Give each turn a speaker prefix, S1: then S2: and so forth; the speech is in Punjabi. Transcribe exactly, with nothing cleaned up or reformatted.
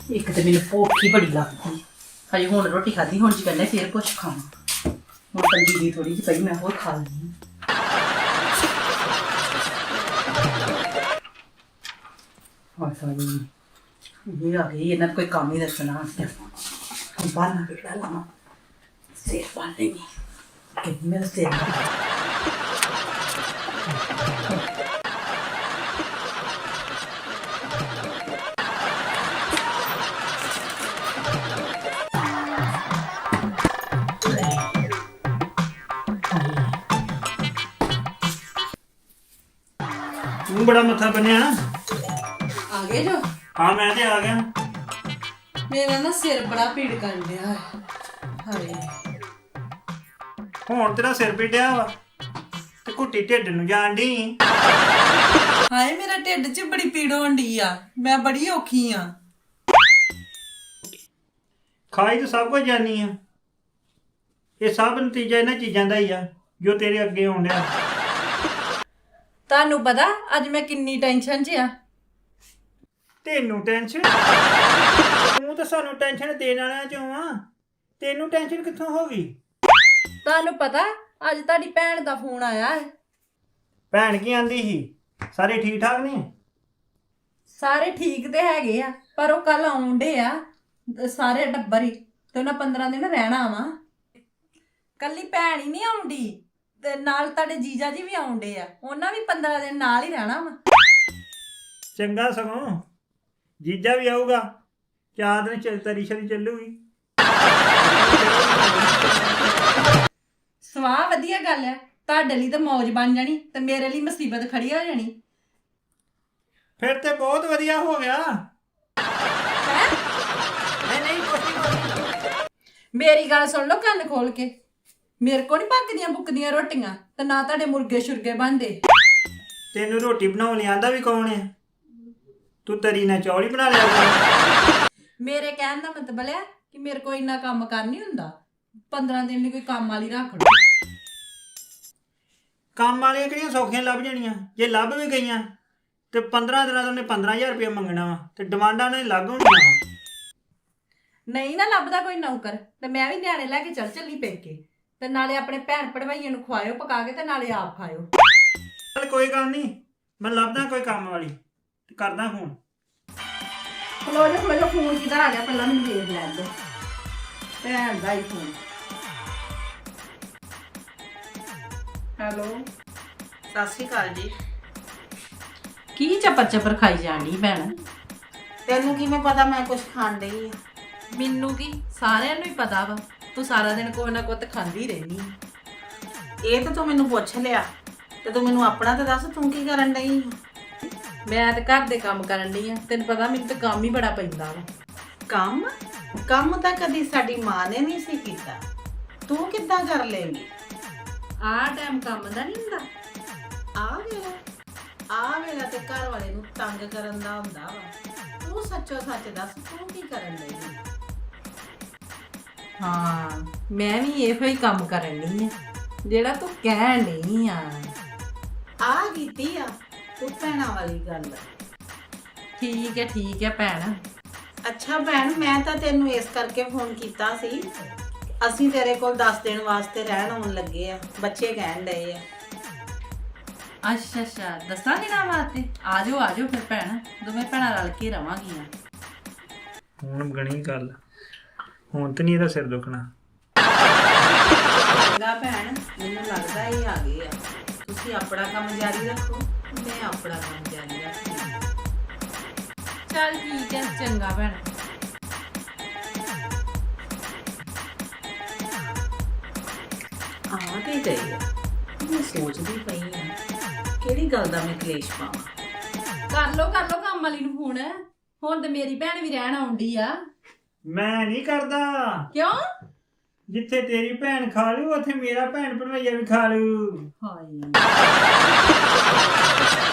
S1: एक तो मैंने भुख ही बड़ी लगती हजे हुण रोटी खाधी हुण जी कहने फिर कुछ खावां हुण पंजी दी थोड़ी जी पई मैं होर खा लैनी और सारी ये आ गई इन्हां कोई काम ही दसना बाहर बेड़ा लावां सिर बाल लेंगी कि मेरा सिर
S2: तू बड़ा मत्था बनिया
S3: आ गए जो
S2: हाँ मैं ते आ गया
S3: मेरा ना सिर बड़ा पीड़ कर दिया है हाय
S2: ਹੁਣ ਤੇਰਾ ਸਿਰ ਪੀੜਿਆ ਵਾ ਤੇ ਘੁੱਟੀ ਢਿੱਡ ਨੂੰ ਜਾਣ ਦੀ
S3: ਹਾਏ ਮੇਰਾ ਢਿੱਡ 'ਚ ਬੜੀ ਪੀੜ ਹੋਣ ਡਈ ਆ ਮੈਂ ਬੜੀ ਔਖੀ ਆ
S2: ਖਾਈ ਤਾਂ ਸਭ ਕੁਝ ਜਾਨੀ ਆ ਇਹ ਸਭ ਨਤੀਜਾ ਇਹਨਾਂ ਚੀਜ਼ਾਂ ਦਾ ਹੀ ਆ ਜੋ ਤੇਰੇ ਅੱਗੇ ਆਉਣ ਡਿਆ
S3: ਤੁਹਾਨੂੰ ਪਤਾ ਅੱਜ ਮੈਂ ਕਿੰਨੀ ਟੈਨਸ਼ਨ 'ਚ ਆ
S2: ਤੈਨੂੰ ਟੈਨਸ਼ਨ ਤੂੰ ਤਾਂ ਸਾਨੂੰ ਟੈਨਸ਼ਨ ਦੇਣ ਵਾਲਿਆਂ ਚੋਂ ਆ ਤੈਨੂੰ ਟੈਨਸ਼ਨ ਕਿੱਥੋਂ ਹੋ ਗਈ
S3: ਤੁਹਾਨੂੰ ਪਤਾ ਅੱਜ ਤੁਹਾਡੀ ਭੈਣ ਦਾ ਫੋਨ ਆਇਆ ਹੈ
S2: ਭੈਣ ਕੀ ਆਂਦੀ ਸੀ ਸਾਰੇ ਠੀਕ ਠਾਕ ਨੇ
S3: ਸਾਰੇ ਠੀਕ ਤੇ ਹੈਗੇ ਆ ਪਰ ਉਹ ਕੱਲ ਆਉਂਦੇ ਆ ਸਾਰੇ ਟੱਬਰ ਹੀ ਤੇ ਉਹਨਾਂ ਪੰਦਰਾਂ ਦਿਨ ਰਹਿਣਾ ਵਾ ਕੱਲੀ ਭੈਣ ਹੀ ਨਹੀਂ ਆਉਂਦੀ ਤੇ ਨਾਲ ਤੁਹਾਡੇ ਜੀਜਾ ਜੀ ਵੀ ਆਉਂਦੇ ਆ ਉਹਨਾਂ ਵੀ ਪੰਦਰਾਂ ਦਿਨ ਨਾਲ ਹੀ ਰਹਿਣਾ ਵਾ
S2: ਚੰਗਾ ਸਗੋਂ ਜੀਜਾ ਵੀ ਆਊਗਾ ਚਾਰ ਦਿਨ ਚੱਲ ਤਰੀ ਸ਼ਰੀ ਚੱਲੂਗੀ
S3: ਸਵਾਹ ਵਧੀਆ ਗੱਲ ਹੈ ਤੁਹਾਡੇ ਲਈ ਤਾਂ ਮੌਜ ਬਣ ਜਾਣੀ ਤੇ ਮੇਰੇ ਲਈ ਮੁਸੀਬਤ ਖੜੀ ਹੋ ਜਾਣੀ
S2: ਫਿਰ ਤੇ ਬਹੁਤ ਵਧੀਆ ਹੋ ਗਿਆ
S3: ਹੈ
S2: ਨਹੀਂ ਨਹੀਂ ਕੋਈ
S3: ਮੇਰੀ ਗੱਲ ਸੁਣ ਲਓ ਕੰਨ ਖੋਲ ਕੇ ਮੇਰੇ ਕੋ ਨਹੀਂ ਪੱਕਦੀਆਂ ਬੁੱਕਦੀਆਂ ਰੋਟੀਆਂ ਤੇ ਨਾ ਤੁਹਾਡੇ ਮੁਰਗੇ ਸ਼ੁਰਗੇ ਬਣਦੇ
S2: ਤੈਨੂੰ ਰੋਟੀ ਬਣਾਉਣ ਲਿਆਂਦਾ ਵੀ ਕੌਣ ਹੈ ਤੂੰ ਤਰੀ ਨਾਲ ਚੌਲ ਹੀ ਬਣਾ ਲਿਆ ਕਰ
S3: ਮੇਰੇ ਕਹਿਣ ਦਾ ਮਤਲਬ ਹੈ ਕਿ ਮੇਰੇ ਕੋ ਇੰਨਾ ਕੰਮ ਕਰ ਨਹੀਂ ਹੁੰਦਾ ਪੰਦਰਾਂ ਦਿਨ ਲਈ ਕੋਈ ਕੰਮ ਵਾਲੀ ਰੱਖ ਲਓ
S2: ਕੰਮ ਵਾਲੀਆਂ ਕਿਹੜੀਆਂ ਸੌਖੀਆਂ ਲੱਭ ਜਾਣੀਆਂ ਜੇ ਲੱਭ ਵੀ ਗਈਆਂ ਤੇ ਪੰਦਰਾਂ ਦਿਨਾਂ ਤੋਂ ਉਹਨੇ ਪੰਦਰਾਂ ਹਜ਼ਾਰ ਰੁਪਏ ਮੰਗਣਾ ਵਾ ਤੇ ਡਿਮਾਂਡਾਂ ਉਹਨੇ ਲੱਗ ਹੋਣੀਆਂ ਵਾ
S3: ਨਹੀਂ ਨਾ ਲੱਭਦਾ ਕੋਈ ਨੌਕਰ ਤੇ ਮੈਂ ਵੀ ਨਿਆਣੇ ਲੈ ਕੇ ਚੱਲ ਚੱਲੀ ਪੇਕੇ ਤੇ ਨਾਲੇ ਆਪਣੇ ਭੈਣ ਭੜਵਾਈਆਂ ਨੂੰ ਖਵਾਇਓ ਪਕਾ ਕੇ ਤੇ ਨਾਲੇ ਆਪ ਖਾਇਓ
S2: ਚੱਲ ਕੋਈ ਗੱਲ ਨਹੀਂ ਮੈਂ ਲੱਭਦਾ ਕੋਈ ਕੰਮ ਵਾਲੀ ਤੇ ਕਰਦਾ ਫੋਨ
S3: ਖਲੋ ਜਾ ਖਲੋ ਜਾ ਫੋਨ ਕਿਧਰ ਆ ਗਿਆ ਪਹਿਲਾਂ ਮੈਨੂੰ ਦੇਖ ਲੈਣ ਦੋ ਭੈਣ ਦਾ ਹੀ ਫੋਨ ਹੈਲੋ
S1: ਸਤਿ ਸ਼੍ਰੀ ਅਕਾਲ ਜੀ ਕੀ ਚੱਪਰ ਚੱਪਰ ਖਾਈ ਜਾਣੀ ਭੈਣ
S4: ਤੈਨੂੰ ਕਿਵੇਂ ਪਤਾ ਮੈਂ ਕੁਝ ਖਾਣ ਡਈ ਆ
S3: ਮੈਨੂੰ ਕੀ ਸਾਰਿਆਂ ਨੂੰ ਹੀ ਪਤਾ ਵਾ ਤੂੰ ਸਾਰਾ ਦਿਨ ਕੋਈ ਨਾ ਕੁਝ ਖਾਂਦੀ ਰਹਿਨੀ
S4: ਇਹ ਤਾਂ ਤੂੰ ਮੈਨੂੰ ਪੁੱਛ ਲਿਆ ਤੇ ਤੂੰ ਮੈਨੂੰ ਆਪਣਾ ਤਾਂ ਦੱਸ ਤੂੰ ਕੀ ਕਰਨ ਡਈ
S3: ਮੈਂ ਤੇ ਘਰ ਦੇ ਕੰਮ ਕਰਨ ਡਈ ਆ ਤੈਨੂੰ ਪਤਾ ਮੈਨੂੰ ਤਾਂ ਕੰਮ ਹੀ ਬੜਾ ਪੈਂਦਾ ਵਾ
S4: ਕੰਮ ਕੰਮ ਤਾਂ ਕਦੀ ਸਾਡੀ ਮਾਂ ਨੇ ਨਹੀਂ ਸੀ ਕੀਤਾ ਤੂੰ ਕਿੱਦਾਂ ਕਰ ਲੇਂਗੀ
S3: ਆਹ ਟਾਈਮ ਕੰਮ ਦਾ ਨਹੀਂ ਹੁੰਦਾ
S4: ਆ ਵੇਲਾ ਆ ਵੇਲਾ ਤੇ ਘਰ ਵਾਲੇ ਨੂੰ ਤੰਗ ਕਰਨ ਦਾ ਹੁੰਦਾ ਵਾ ਤੂੰ ਸੱਚੋ ਸੱਚ ਦੱਸ ਤੂੰ ਕੀ ਕਰਨ ਡਈ
S3: ਹਾਂ ਮੈਂ ਵੀ ਇਹੋ ਹੀ ਕੰਮ ਕਰਨ ਡਈ ਆ ਜਿਹੜਾ ਤੂੰ ਕਹਿਣ ਡਈ ਆ
S4: ਆ ਕੀਤੀ ਆ ਤੂੰ ਭੈਣਾਂ ਵਾਲੀ ਗੱਲ
S3: ਠੀਕ ਹੈ ਠੀਕ ਹੈ ਭੈਣ
S4: ਅੱਛਾ ਭੈਣ ਮੈਂ ਤਾਂ ਤੈਨੂੰ ਇਸ ਕਰਕੇ ਫੋਨ ਕੀਤਾ ਸੀ ਅਸੀਂ ਤੇਰੇ ਕੋਲ ਦਸ ਦਿਨ ਵਾਸਤੇ ਰਹਿਣ ਆਉਣ ਲੱਗੇ ਆ ਬੱਚੇ ਕਹਿਣ ਡਏ ਆ
S3: ਅੱਛਾ ਅੱਛਾ ਦੱਸਾਂ ਦਿਨਾਂ ਵਾਸਤੇ ਆ ਜਾਓ ਆ ਜਾਓ ਫਿਰ ਭੈਣ ਦੋਵੇਂ ਭੈਣਾਂ ਰਲ ਕੇ ਰਵਾਂਗੀਆਂ
S2: ਹੁਣ ਗਣੀ ਗੱਲ ਹੁਣ ਤੇ ਨਹੀਂ ਇਹਦਾ ਸਿਰ ਦੁਖਣਾ
S4: ਚੰਗਾ ਭੈਣ ਮੈਨੂੰ ਲੱਗਦਾ ਇਹ ਆ ਗਏ ਆ ਤੁਸੀਂ ਆਪਣਾ ਕੰਮ ਜਾਰੀ ਰੱਖੋ ਮੈਂ ਆਪਣਾ ਕੰਮ ਜਾਰੀ ਰੱਖਦੀ
S3: ਚੱਲ ਠੀਕ ਹੈ ਚੰਗਾ ਭੈਣ
S4: ਆ ਤੇ ਗਈ ਆ ਮੈਂ ਸੋਚਦੀ ਪਈ ਆ ਕਿਹੜੀ ਗੱਲ ਦਾ ਮੈਂ ਕਲੇਸ਼ ਪਾਵਾਂ
S3: ਕਰ ਲੋ ਕਰ ਲੋ ਕੰਮ ਵਾਲੀ ਨੂੰ ਫੋਨ ਹੁਣ ਤੇ ਮੇਰੀ ਭੈਣ ਵੀ ਰਹਿਣ ਆਉਂਦੀ ਆ
S2: ਮੈਂ ਨਹੀਂ ਕਰਦਾ
S3: ਕਿਉਂ
S2: ਜਿੱਥੇ ਤੇਰੀ ਭੈਣ ਖਾ ਲੂ ਉੱਥੇ ਮੇਰਾ ਭੈਣ ਭਣਵਈਆ ਵੀ ਖਾ ਲੂ
S3: ਹਾਏ